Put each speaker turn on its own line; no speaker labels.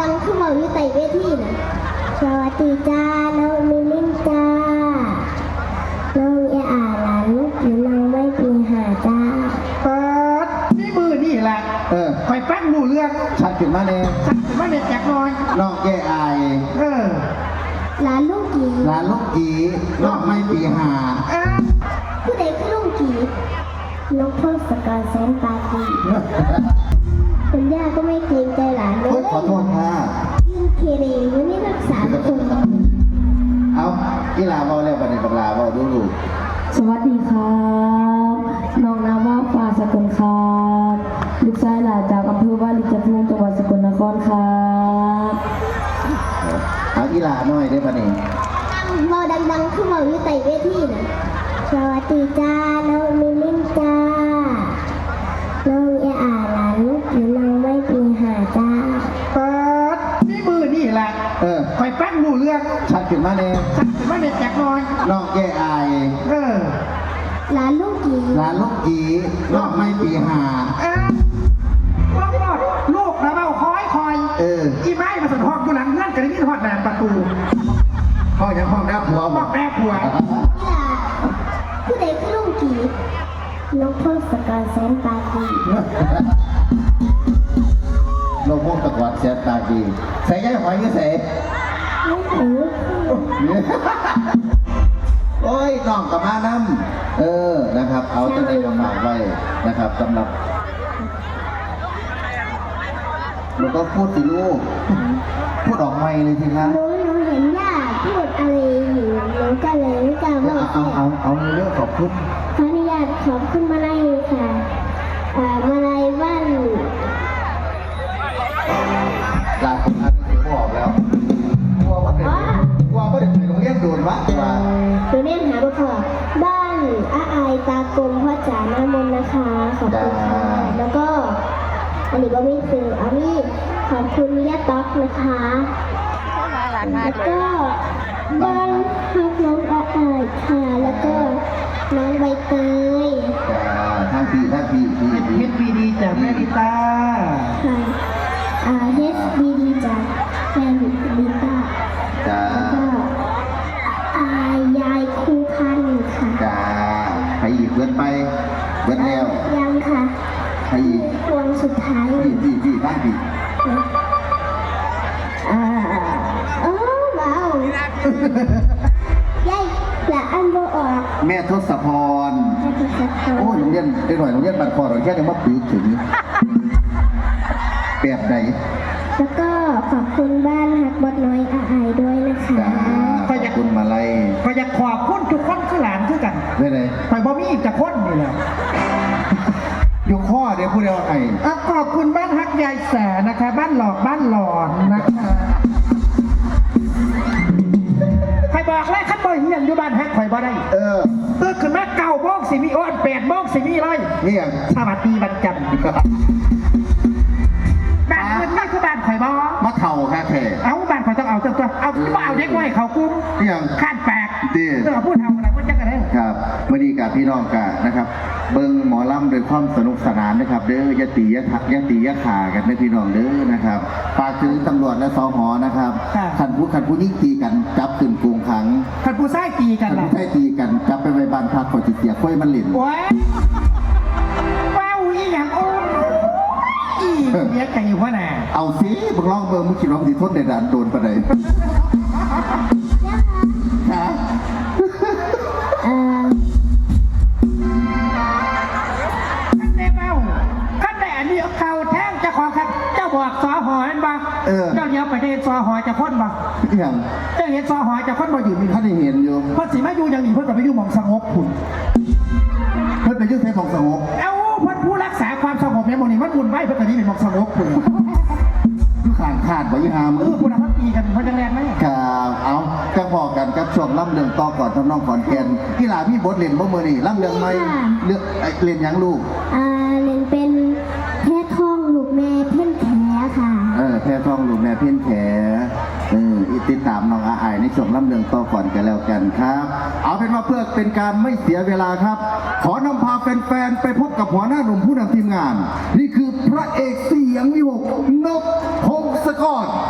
ดังๆขึ้นมาอยู่ใต้เวทีนะสวัสดีจ้าน้องมิลินจ้าน้องเออาหลานลูกหรือน้องไม่ปีหาจ้า
เปิดนี่มือนี่แหละคอยฟังรู้เรื่อง
ชัดขึ้นมาเนี่ย
ชัดขึ้นมาเนี่ยแจกน้อย
น้องแก่อาย
หลานลูกกี
หลานลูกกีน้องไม่ปีหา
ผู้ใดคือลูกกีน้องพ่อสกอร์แสนปากีคุณย่าก็ไม่เกรงใจหลานเลย
ขอโทษค่ะ
ยิ่งเคเรวันนี้รักษาคน
เอากีฬาบอลแล้วประเด็นกีฬาบอลดูลูก
สวัสดีครับน้องนามว่าฟ้าสกลครับลูกชายหลานจากอำเภอวาริจภูมิจังหวัดสกลนครครับ
เอากีฬาหน่อยได้ประเด็น
บอดังๆขึ้นมาอยู่ใต้เวทีนะสวัสดีจ้าน้องมิลินจ้าน้องเออาหลานลูกหรือน้องไม่ปีหาจ้า
เปิดนี่มือนี่แหละคอยฟังรู้เรื่อง
ชัดขึ้นมาเนี่ย
ชัดขึ้นมาเนี่ยแจกน้อย
น้องแก่อาย
หลานลูกกี
หลานลูกกีน้องไม่ปีหา
ว่าหมดลูกนะเบาคอยอีไม้มาสะท้อนอยู่หลังเงื่อนกันนี่ทอดแหนมประตู
พ่อยังพ่อแม่ผัว
พ่อแม่ผัว
ผู้ใดคือลูกกีน้องพ่อสกอร์แสนปากี
โลกพวกตะกวดเสียตาดีใส่ย่ายหอยก็ใส่โอ้ยน้องกับมาน้ำนะครับเอาจะได้ฝากไว้นะครับสำหรับเราก็พูดสิลูกพูดออกไม่เลยสิครับ
หนูเห็นย่าพูดอะไรอยู่หนูก็เลยไม่กล้าว่า
เอาเรื่องขอบคุณ
ขออนุญาตขอบคุณมาลัยค่ะมาลัยบ้าน
ลาคนนั้นถือบอกแล้วกลัวว่าเด็กไปโรงเรียนโดนวะ
โรงเรียนหาบุตรบ้านอาอายตากลมพ่อจ๋าหน้ามนนะคะขอบคุณค่ะแล้วก็อันนี้ก็ไม่ซื้ออันนี้ขอบคุณย่าต๊อกนะคะแล้วก็บ้านฮักน้องอาอายค่ะแล้วก็น้องใบเตย
ท่านพี่
เฮ็ดบีดีจากแม่ดิตา
ค่ะเฮ็ดบีดีจากแม่ดิตาแล้วก็ยายครูพันธ์ค่ะ
จ้าใครอีกเบิดไปเบิดแล้ว
ยังค่ะ
ใครอีก
วงสุดท้าย
พี่บ้านพี่
ว้าวยายละอันโบออก
แม่ทศพรโอ้โรงเรียนได้หน่อยโรงเรียนบ้านคอหน่อยแค่ยังมาปีถึงแบบไหน
แล้วก็ขอบคุณบ้านฮักบดน้อยอาอายด้วยนะคะ
ขอบคุณมาลัย
ก็อยากขอบคุณทุกคนคือหลานคือกัน
ได้เลย
ไปบ่มีอีกจะคนนี่แหละ
ยกข้อเดี๋ยวพูดเดียวไอ้
ขอบคุณบ้านฮักยายแสนะคะบ้านหลอกบ้านหลอนนะคะใครบอกเลยขั้นบ่อยอย่างอยู่บ้านฮักข่อยบ่ได้ตื่นขึ้นมา9 โมงสิมีอ้อน8 โมงสิมีเลย
นี่อย่าง
สวัสดีวันจันทร์บ้านอื่นไม่คือบ้านข่อยบ่
มาเข่าค่ะแขก
เอาบ้านข่อยต้องเอาเจ้าเอาเด็กไว้เขากุ้ง
นี่อย่าง
ข้านแปลกพูดเท่าอะไรพูดจังกันเลย
ครับวันนี้กับพี่น้องกันนะครับเบิ้งหมอลำโดยความสนุกสนานนะครับเด้อยะตียะขากันนะพี่น้องเด้อนะครับฝากถึงตำรวจและสหนะครับขันผู้ยิ่งตีกันจับขึ้นกรุงขัง
ขันผู้ใช้ตีกัน
ขันผู้ใช้ตีกันจับไปบ้านพักขอจิตเสียค่อยมันหลิน
ว้าวอีอย่างโอ้เนี้ยใจอยู่พ่อแน่
เอาสิมึงลองเบิ้งมึงคิดว่ามึงทนในด่านโดนปะไหน
ขั้นแต่อันนี้เขาแท่งจะขอครับเจ้าบอกสอหอยบ้างเจ้าเนี้ยไปเห็นสอหอยจะพ้นบ้าง
อย่าง
เจ้าเห็นสอหอยจะพ้นบ้างอยู่มี
ท่านได้เห็นอยู่
เพราะสีมาอยู่อย่างนี้เพื่อนจะไปอยู่หมองสงบผุน
เพื่อนไปยื่นเทปหมองสงบ
เอ้าเพื่อนผู้รักษาความสงบเนี่ยมันนี่มันบุญไหวเพื่อนจะนี้เป็นหมองสงบผุน
ขาดบ่ยี่หาม
คุณภาพตีกันเพราะจะแรงไหม
ครับเอาจะพอกันกับช่วงล่ำเรื่องต่อก่อนทำน้องก่อนแกนกีฬาพี่บดเล่นบ่เมื่อนี่ล่ำเรื่องไม่เลือกเล่นยังลูก
เล่นเป็นแพ้ทองลูกแม่เพ่นแขค่ะ
แพ้ทองลูกแม่เพ่นแขติดตามน้องอาอายในช่วงล่ำเรื่องต่อก่อนกันแล้วกันครับเอาเป็นว่าเพื่อเป็นการไม่เสียเวลาครับขอนำพาแฟนๆไปพบกับหัวหน้าหนุ่มผู้นำทีมงานนี่คือพระเอกเสียงวิหกนพพงศกร